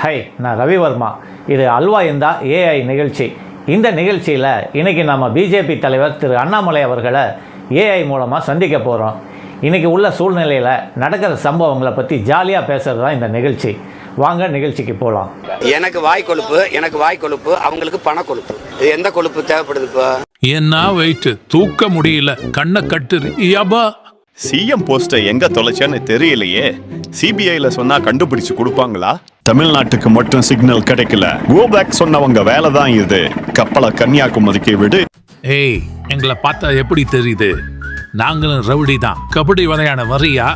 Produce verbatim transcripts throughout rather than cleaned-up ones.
High, நான் ரவிவர்மா. இது அல்வா இந்தா ஏஐ நிகழ்ச்சி. இந்த நிகழ்ச்சியில் இன்றைக்கி நம்ம பிஜேபி தலைவர் திரு அண்ணாமலை அவர்களை ஏஐ மூலமாக சந்திக்க போகிறோம். இன்றைக்கி உள்ள சூழ்நிலையில் நடக்கிற சம்பவங்களை பற்றி ஜாலியாக பேசுகிறது தான் இந்த நிகழ்ச்சி. வாங்க நிகழ்ச்சிக்கு போகலாம். எனக்கு வாய் கொழுப்பு எனக்கு வாய் கொழுப்பு அவங்களுக்கு பண கொழுப்பு. இது எந்த கொழுப்பு தேவைப்படுது? இப்போ என்ன வெயிட் தூக்க முடியல, கண்ணை கட்டுரு. யப்பா, சிஎம் போஸ்டை எங்க தொலைச்சேன்னு தெரியலையே. சிபிஐல சொன்னா கண்டுபிடிச்சு கொடுப்பாங்களா? தமிழ்நாட்டுக்கு மட்டும் சிக்னல் கிடைக்கல. கோ பேக் சொன்னவங்க வேலை தான் இது. கப்பலை கன்னியாகுமரிக்கு விடு. ஏய், எங்களை பார்த்தா எப்படி தெரியுது? நாங்களும் ரவுடி தான். கபடி விளையாட வரியா?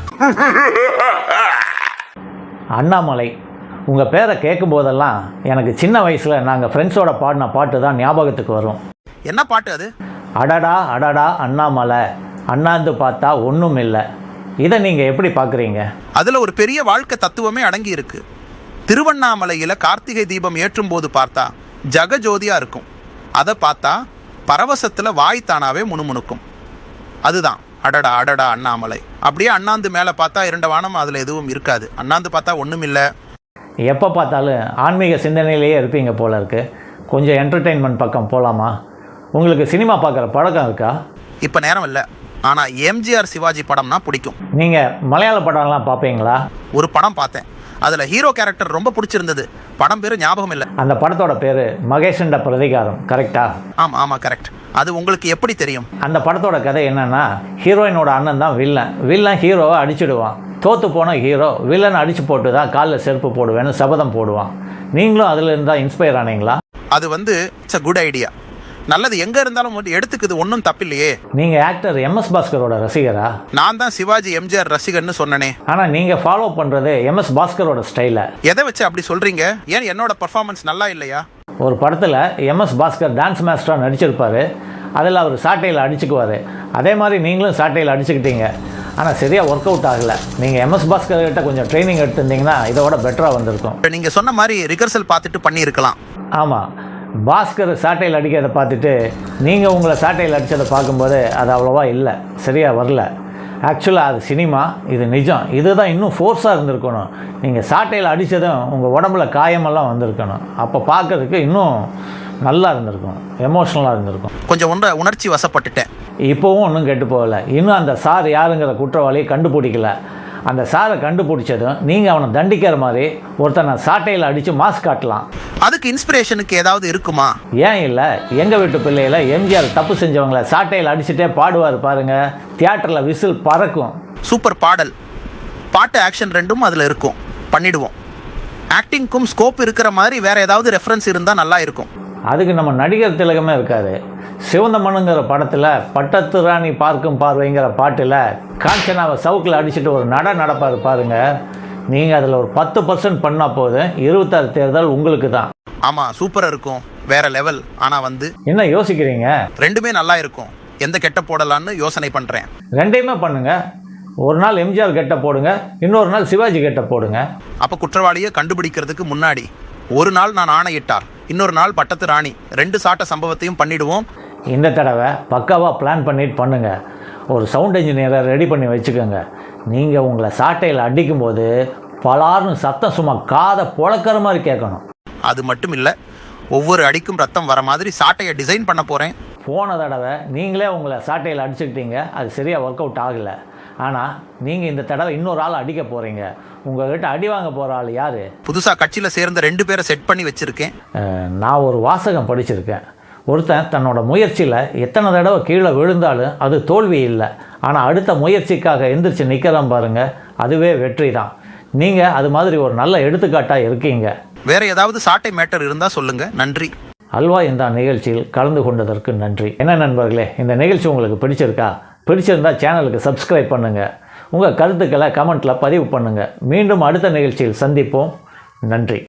அண்ணாமலை, உங்கள் பேரை கேட்கும் போதெல்லாம் எனக்கு சின்ன வயசில் நாங்கள் ஃப்ரெண்ட்ஸோட பாடின பாட்டு தான் ஞாபகத்துக்கு வரும். என்ன பாட்டு அது? அடடா அடடா அண்ணாமலை, அண்ணாந்து பார்த்தா ஒன்றும் இல்லை. இதை நீங்கள் எப்படி பார்க்குறீங்க? அதில் ஒரு பெரிய வாழ்க்கை தத்துவமே அடங்கி இருக்கு. திருவண்ணாமலையில் கார்த்திகை தீபம் ஏற்றும் போது பார்த்தா ஜகஜோதியாக இருக்கும். அதை பார்த்தா பரவசத்தில் வாய் தானாவே முணுமுணுக்கும். அதுதான் அடடா அடடா அண்ணாமலை. அப்படியே அண்ணாந்து மேலே பார்த்தா இரண்ட வானம், அதில் எதுவும் இருக்காது. அண்ணாந்து பார்த்தா ஒன்றும் இல்லை. எப்போ பார்த்தாலும் ஆன்மீக சிந்தனையிலேயே இருப்பீங்க போல இருக்கு. கொஞ்சம் என்டர்டெயின்மெண்ட் பக்கம் போகலாமா? உங்களுக்கு சினிமா பார்க்குற பழக்கம் இருக்கா? இப்போ நேரம் இல்லை, ஆனால் எம்ஜிஆர் சிவாஜி படம்னா பிடிக்கும். நீங்கள் மலையாள படம்லாம் பார்ப்பீங்களா? ஒரு படம் பார்த்தேன், அதில் ஹீரோ கேரக்டர் ரொம்ப பிடிச்சிருந்தது. படம் பேர் ஞாபகம் இல்லை. அந்த படத்தோட பேர் மகேஷண்ட பிரதிகாரம், கரெக்டா? ஆமாம் ஆமாம் கரெக்ட். அது உங்களுக்கு எப்படி தெரியும்? அந்த படத்தோட கதை என்னன்னா, ஹீரோயினோட அண்ணன் தான் வில்லன். வில்லன் ஹீரோவை அடிச்சுடுவான். தோற்று போன ஹீரோ வில்லனை அடித்து போட்டு தான் காலில் செருப்பு போடுவேன்னு சபதம் போடுவான். நீங்களும் அதில் இருந்தால் இன்ஸ்பயர் ஆனீங்களா? அது வந்து இட்ஸ் அ குட் ஐடியா. நல்லது, எங்கே இருந்தாலும் எடுத்துக்குது, ஒன்றும் தப்பில்லையே. நீங்கள் ஆக்டர் எம்எஸ் பாஸ்கரோட ரசிகரா? நான் தான் சிவாஜி எம்ஜிஆர் ரசிகர்னு சொன்னனே. ஆனால் நீங்கள் ஃபாலோ பண்ணுறது எம்எஸ் பாஸ்கரோட ஸ்டைலை. எதை வச்சு அப்படி சொல்கிறீங்க? ஏன் என்னோட பர்ஃபார்மன்ஸ் நல்லா இல்லையா? ஒரு படத்தில் எம்எஸ் பாஸ்கர் டான்ஸ் மாஸ்டராக நடிச்சிருப்பார். அதில் அவர் சாட்டையில் அடிச்சுக்குவார். அதே மாதிரி நீங்களும் சாட்டையில் அடிச்சுக்கிட்டீங்க. ஆனால் சரியாக ஒர்க் அவுட் ஆகலை. நீங்கள் எம்எஸ் பாஸ்கர் கிட்ட கொஞ்சம் ட்ரைனிங் எடுத்திருந்தீங்கன்னா இதோட பெட்டராக வந்திருக்கும். நீங்கள் சொன்ன மாதிரி ரிகர்சல் பார்த்துட்டு பண்ணியிருக்கலாம். ஆமாம், பாஸ்கர் சாட்டையில் அடிக்கிறத பார்த்துட்டு நீங்கள் உங்களை சாட்டையில் அடித்ததை பார்க்கும்போது அது அவ்வளோவா இல்லை, சரியாக வரல. ஆக்சுவலாக அது சினிமா, இது நிஜம். இதுதான் இன்னும் ஃபோர்ஸாக இருந்திருக்கணும். நீங்கள் சாட்டையில் அடித்ததும் உங்கள் உடம்புல காயமெல்லாம் வந்திருக்கணும். அப்போ பார்க்கறதுக்கு இன்னும் நல்லா இருந்திருக்கும், எமோஷ்னலாக இருந்திருக்கும். கொஞ்சம் ஒன்றை உணர்ச்சி வசப்பட்டுட்டேன். இப்போவும் ஒன்றும் கெட்டு போகலை. இன்னும் அந்த சார் யாருங்கிற குற்றவாளியை கண்டுபிடிக்கல. அந்த சாரை கண்டுபிடிச்சதும் நீங்கள் அவனை தண்டிக்கிற மாதிரி ஒருத்தனை சாட்டையில் அடித்து மாஸ்க் காட்டலாம். அதுக்கு இன்ஸ்பிரேஷனுக்கு ஏதாவது இருக்குமா? ஏன் இல்லை? எங்கள் வீட்டு பிள்ளையில் எம்ஜிஆர் தப்பு செஞ்சவங்களை சாட்டையில் அடிச்சுட்டே பாடுவார் பாருங்கள். தியேட்டரில் விசில் பறக்கும். சூப்பர் பாடல், பாட்டு, ஆக்ஷன் ரெண்டும் அதில் இருக்கும். பண்ணிடுவோம். ஆக்டிங்க்கும் ஸ்கோப் இருக்கிற மாதிரி வேறு ஏதாவது ரெஃபரன்ஸ் இருந்தால் நல்லா இருக்கும். அதுக்கு நம்ம நடிகர் திலகமே இருக்காரு. சிவந்த மண்ணுங்கிற படத்தில் பட்டத்து ராணி பார்க்கும் பார்வைங்கிற பாட்டில் காஞ்சனாவை சவுக்கில் அடிச்சுட்டு ஒரு நட நடப்பார் பாருங்க. நீங்கள் அதில் ஒரு பத்து பர்சன்ட் பண்ணால் போதும், இருபத்தாறு தேர்தல் உங்களுக்கு தான். ஆமாம், சூப்பராக இருக்கும், வேற லெவல். ஆனால் வந்து என்ன யோசிக்கிறீங்க? ரெண்டுமே நல்லா இருக்கும். எந்த கெட்ட போடலான்னு யோசனை பண்ணுறேன். ரெண்டையுமே பண்ணுங்கள். ஒரு நாள் எம்ஜிஆர் கெட்ட போடுங்க, இன்னொரு நாள் சிவாஜி கெட்ட போடுங்க. அப்போ குற்றவாளியை கண்டுபிடிக்கிறதுக்கு முன்னாடி ஒரு நாள் நான் ஆணையிட்டார், இன்னொரு நாள் பட்டத்து ராணி, ரெண்டு சாட்ட சம்பவத்தையும் பண்ணிடுவோம். இந்த தடவை பக்காவாக பிளான் பண்ணிட்டு பண்ணுங்கள். ஒரு சவுண்ட் இன்ஜினியரை ரெடி பண்ணி வச்சுக்கோங்க. நீங்கள் உங்களை சாட்டையில் அடிக்கும்போது பலார்னு சத்தம் சும்மா காதை புழக்கிற மாதிரி கேட்கணும். அது மட்டும் இல்லை, ஒவ்வொரு அடிக்கும் ரத்தம் வர மாதிரி சாட்டையை டிசைன் பண்ண போகிறேன். போன தடவை நீங்களே உங்களை சாட்டையில் அடிச்சுக்கிட்டீங்க, அது சரியாக ஒர்க் அவுட் ஆகலை. ஆனால் நீங்கள் இந்த தடவை இன்னொரு ஆள் அடிக்க போகிறீங்க. உங்கள்கிட்ட அடி வாங்க போகிற ஆள் யார்? புதுசாக கட்சியில் சேர்ந்த ரெண்டு பேரை செட் பண்ணி வச்சுருக்கேன். நான் ஒரு வாசகம் படிச்சிருக்கேன். ஒருத்தன் தன்னோட முயற்சியில் எத்தனை தடவை கீழே விழுந்தாலும் அது தோல்வி இல்லை. ஆனால் அடுத்த முயற்சிக்காக எந்திரிச்சு நிற்கிறோம் பாருங்கள், அதுவே வெற்றி தான். நீங்கள் அது மாதிரி ஒரு நல்ல எடுத்துக்காட்டாக இருக்கீங்க. வேறு ஏதாவது சாட்டை மேட்டர் இருந்தால் சொல்லுங்கள். நன்றி. அல்வா இந்த நிகழ்ச்சியில் கலந்து கொண்டதற்கு நன்றி. என்ன நண்பர்களே, இந்த நிகழ்ச்சி உங்களுக்கு பிடிச்சிருக்கா? பிடிச்சிருந்தா சேனலுக்கு சப்ஸ்கிரைப் பண்ணுங்கள். உங்கள் கருத்துக்களை கமெண்ட்டில் பதிவு பண்ணுங்கள். மீண்டும் அடுத்த நிகழ்ச்சியில் சந்திப்போம். நன்றி.